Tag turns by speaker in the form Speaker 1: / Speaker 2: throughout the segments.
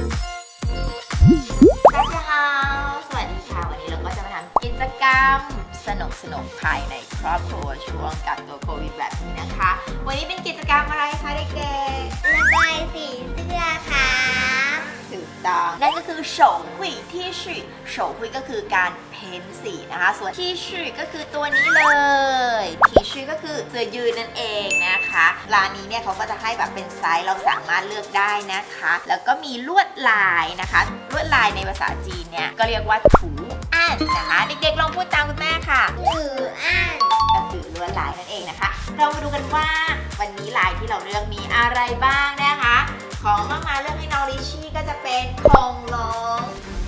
Speaker 1: สวัสดีค่ะวันนี้เราก็จะมาทำกิจกรรมสนุกภายในครอบครัวช่วงกักตัวโควิดแบบนี้นะคะ วันนี้เป็นกิจกรรมอะไรคะเด็กๆ
Speaker 2: ระบายสีเสื้อค่ะ
Speaker 1: ถูกต้องนั่นก็คือ手绘ที่ชื่อ手绘ก็คือการเพ้นสีนะคะส่วนที่ชื่อก็คือตัวนี้เลยที่ชื่อก็คือเสื้อยืดนั่นเองนะคะร้านนี้เนี่ยเขาก็จะให้แบบเป็นไซส์เราสามารถเลือกได้นะคะแล้วก็มีลวดลายนะคะลวดลายในภาษาจีนเนี่ยก็เรียกว่าถูอ่านนะคะเด็กๆลองพูดตามคุณแม่ค่ะ
Speaker 2: ถืออ่าน
Speaker 1: ก็คือลวดลายนั่นเองนะคะเรามาดูกันว่าวันนี้ลายที่เราเลือกมีอะไรบ้างนะคะของมาเลือกให้น้องลิชี่ก็จะเป็นคงหลง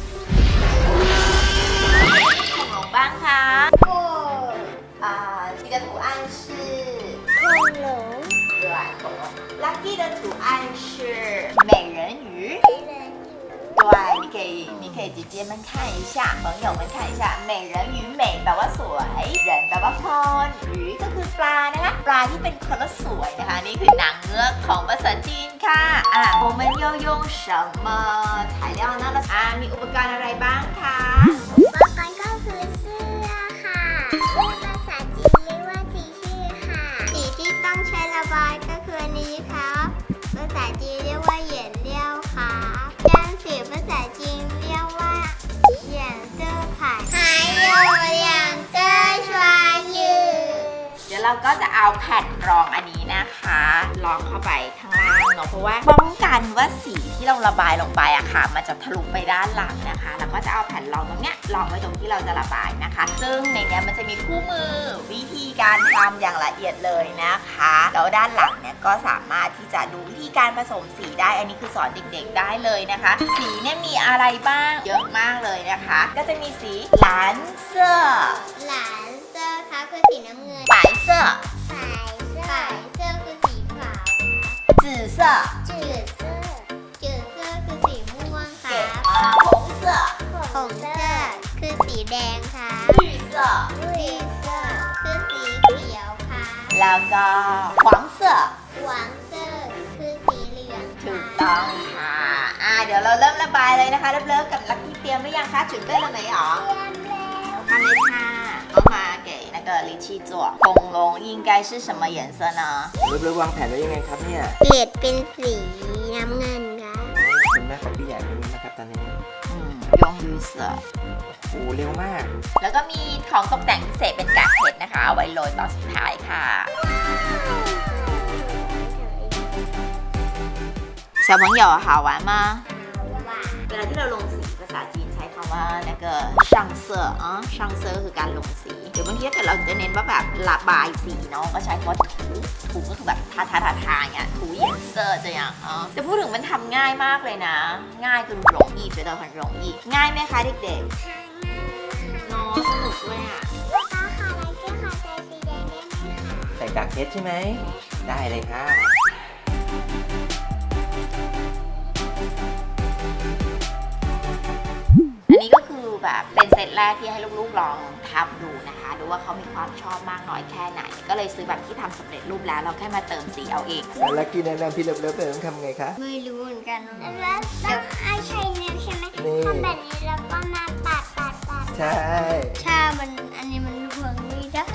Speaker 1: บ้างคะ
Speaker 2: โอ้
Speaker 1: 这个图案是
Speaker 2: 恐龙
Speaker 1: 对恐龙 Lucky 的图案是美人鱼对你可以直接们看一下朋友们看一下美人鱼美แปลว่าสวย人แปลว่าคน鱼ก็คือปลานะคะปลาที่เป็นคนละสวยนะคะนี่คือนางเงือกของภาษาจีนค่ะ我们要用什么材料呢มีอุปกรณ์อะไรบ้างคะ
Speaker 2: อุปกรณ์ก็คือเสื้อค่ะภาษาจีนเรียกว่าสีชื่อค่ะสีที่ต้องใช้ระบายก็คืออันนี้ครับภาษาจีนเรียกว่าเหยียนเลี้ยวค่ะย่างสีภาษาจีนเรียกว่าเหยียนเสื้อผ่าน还有两个双语
Speaker 1: เดี๋ยวเราก็จะเอาแผ่นรองอันนี้นะคะรองเข้าไปข้างล่างเนาะเพราะว่าป้องกันว่าสีที่เราระบายลงไปอะค่ะมันจะทะลุไปด้านหลังนะคะแล้วก็จะเอาแผ่นรองตรงเนี้ยรองไว้ตรงที่เราจะระบายนะคะซึ่งในเนี้ยมันจะมีคู่มือวิธีการทำอย่างละเอียดเลยนะคะแล้วด้านหลังเนี่ยก็สามารถที่จะดูวิธีการผสมสีได้อันนี้คือสอนเด็กๆได้เลยนะคะสีเนี่ยมีอะไรบ้างเยอะมากเลยนะคะก็จะมีสีหลานเสื้อ
Speaker 2: หลานเสื้อค่ะคือสีน้ำเงิน
Speaker 1: 白色
Speaker 2: 白色คือสีขาว
Speaker 1: 紫色
Speaker 2: จืดเสื้อคือสีม่วงค่ะ
Speaker 1: 红色
Speaker 2: หงเสื้อคือสีแดงค่ะ
Speaker 1: 绿色
Speaker 2: คือสีเขียวค่ะ
Speaker 1: แล้วก็黄色
Speaker 2: หวานเสื้อคือสีเหลือง
Speaker 1: ถูกต้องค่ะเดี๋ยวเราเริ่มระบายเลยนะคะเริ่มกับลักกี้เตรียมหรือยังคะ准备了没有ทำเลยค่ะ妈妈给那个ลิชี่做恐龙应该是什么颜色呢
Speaker 3: เริ่มวางแผนไว้ยังไงครับเนี่ย
Speaker 2: เกรดเป็นสีน้ำเงินค่ะ
Speaker 3: คุณแม่ของพี่ใหญ่เป็นยังไงครับตอนนี้
Speaker 1: 用绿色
Speaker 3: โอ้เร็วมาก
Speaker 1: แล้วก็มีของตกแต่งพิเศษเป็นกากเพชรนะคะเอาไว้โรยตอนสุดท้ายค่ะ小朋友好玩吗เวลาที่เราลงสีภาษาจีนใช้คำว่า那个上色上色ก็คือการลงสีเดี๋ยวบางทีถ้าเกิดเราจะเน้นว่าแบบระบายสีเนาะก็ใช้คำว่าถูก็คือแบบทาอย่างเงี้ยถูเหยียนเซอร์จะอย่างแต่พูดถึงมันทำง่ายมากเลยนะง่ายคือ容易觉得很容易ง่ายไหมคะเด็กๆเนาะสนุกด้วย
Speaker 2: ป้าค่ะอะไรก็ค่ะใส่สีแดงได้ไหมคะ
Speaker 3: ใส่กากเพชรใช่ไหมได้เลยค่ะ
Speaker 1: อันนี้ก็คือแบบเป็นเซตแรกที่ให้ลูกๆลองทำดูนะคะดูว่าเขามีความชอบมากน้อยแค่ไหนก็เลยซื้อแบบที่ทำสำเร็จรูปแล้วเราแค่มาเติมสีเอาเอง
Speaker 3: แล้วลักกี้แนะนำพี่เลิฟต้องทำไงคะ
Speaker 2: ไม่รู้เหมือนกันแล้วเอาใช้นิ้วใช่ไหมทำแบบนี้แล้วก็มาปัด
Speaker 3: ใช่
Speaker 2: ถ้ามันอันนี้มันเวิร์กไม่ได้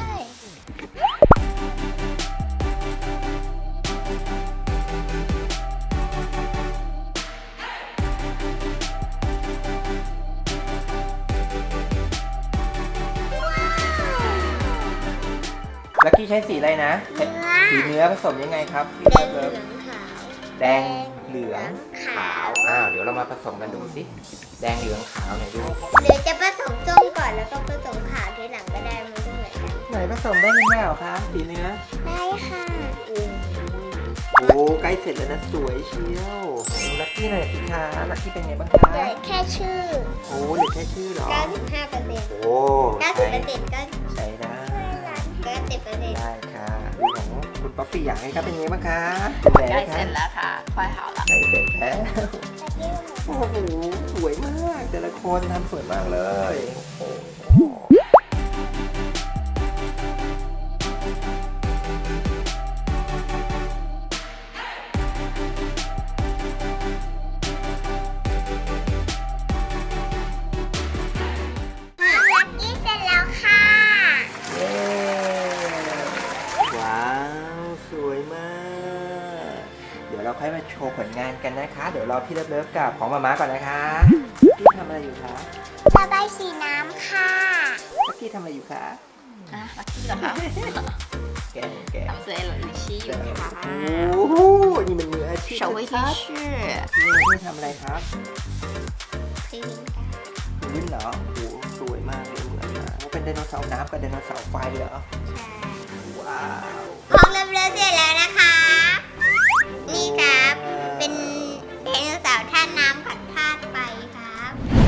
Speaker 3: ลักกี้ใช้สีอะไรนะสีเนื้อผสมยังไงครับพี่เลิฟแดงเหลืองขาวเดี๋ยวเรามาผสมกันดูสิแดงเหลืองขาวหน่อยดู
Speaker 2: หรือจะผสมส้มก่อนแล้วก็ผสมขาวทีหลังก็ได้มันก็เหมือนกัน
Speaker 3: ไหนผสมได้ไหมเหรอคะสีเนื้อ
Speaker 2: ได้ค่ะ
Speaker 3: โอ้ใกล้เสร็จแล้วนะสวยเชียวดูลักกี้หน่อยสิคะลักกี้เป็นไงบ้างคะ
Speaker 2: เหลือแค่ชื่อ
Speaker 3: โอ้เหลือแค่ชื่อเหรอ
Speaker 2: 95%
Speaker 3: โอ้
Speaker 2: 90%ก็
Speaker 3: ใช้ได้
Speaker 2: 90%
Speaker 3: ได้ค่ะของคุณป๊อปปี้อยากให้ครับเป็นไงบ้างคะ
Speaker 1: ใกล้เสร็จแล้วค่ะค่อยหาละ
Speaker 3: ใกล้เสร็จแล้วโอ้โหสวยมากแต่ละคนทำสวยมากเลยโอ้โหค่อยมาโชว์ผลงานกันนะคะ เดี๋ยวรอพี่เลิฟๆกับของมาม่าก่อนนะคะพี่ทำอะไรอยู่คะ
Speaker 2: ระบายสีน้ำค่ะ
Speaker 3: ลักกี้ทำอะไรอยู่คะ
Speaker 1: อ่ะลักกี้เหรอคะ
Speaker 3: แกะแกะ
Speaker 1: ทำเสื้อให้ลิชี่อยู่ค่ะ
Speaker 3: โอ้โหนี่มันมืออาชีพ
Speaker 1: 手绘
Speaker 3: ชั
Speaker 1: T
Speaker 3: ด
Speaker 1: 恤
Speaker 3: ๆนี่ทำอะไรครับ
Speaker 2: พิมพ์ค่ะ
Speaker 3: ลิ้นเหรอโอ้โหสวยมากเลยเหมือนนะว่าเป็นไดโนเสาร์น้ำกับไดโนเสาร์ไฟเหรอ
Speaker 2: ใช่
Speaker 3: ว้าว
Speaker 2: ของเริ่มๆเสร็จแล้วนะคะ นี่ครับ เป็นไดโนเสาร์ท่าน้ำผัดพาดไปครับ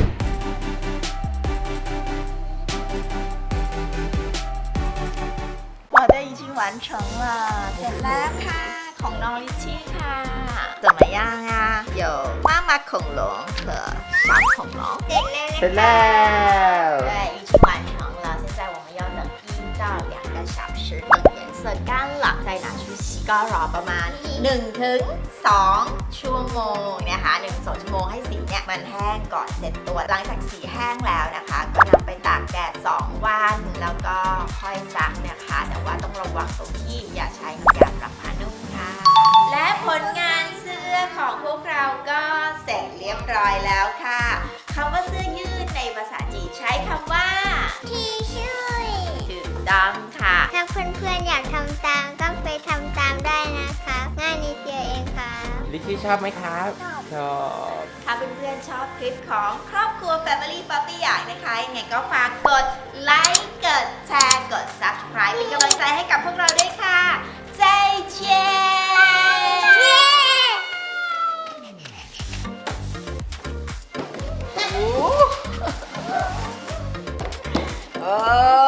Speaker 1: 我的已经完成了เสร็จแล้วค่ะของน้องลิชชี่ค่ะ怎么样啊有妈妈恐龙和小恐龙
Speaker 2: เสร็จแล้วนะ
Speaker 3: เสร็จแล้ว
Speaker 1: 对已经完成了现在我们要等1到2个小时等颜色干了再拿去洗ก็รอประมาณ1ถึง2ชั่วโมงนะคะ1-2ชั่วโมงให้สีเนี่ยมันแห้งก่อนเสร็จตัวหลังจากสีแห้งแล้วนะคะ ก็นำไปตากแดด2วันแล้วก็ค่อยซักนะคะแต่ว่าต้องระวังตรงที่อย่าใช้น้ำยาปรับผ้านุ่มค่ะ และผลงานเสื้อของพวกเราก็เสร็จเรียบร้อยแล้วค่ะคำว่าเสื้อยืดในภาษาจีนใช้คำว่า
Speaker 2: ที่ช่วย
Speaker 1: ถูกต้องค่ะ
Speaker 2: ถ้าเพื่อนๆอยากทำตามก็ไปทำตามได้นะคะ ง่ายนิดเดียวเองค่ะ
Speaker 3: ลิชชี่ชอบไหมครับ ชอบ
Speaker 1: ถ้าเพื่อนๆชอบคลิปของครอบครัว Family Puppy อย่างนะคะยังไงก็ฝากกดไลค์ กดแชร์ กด Subscribe เป็นกำลังใจให้กับพวกเราด้วยค่ะใจเชียโอ้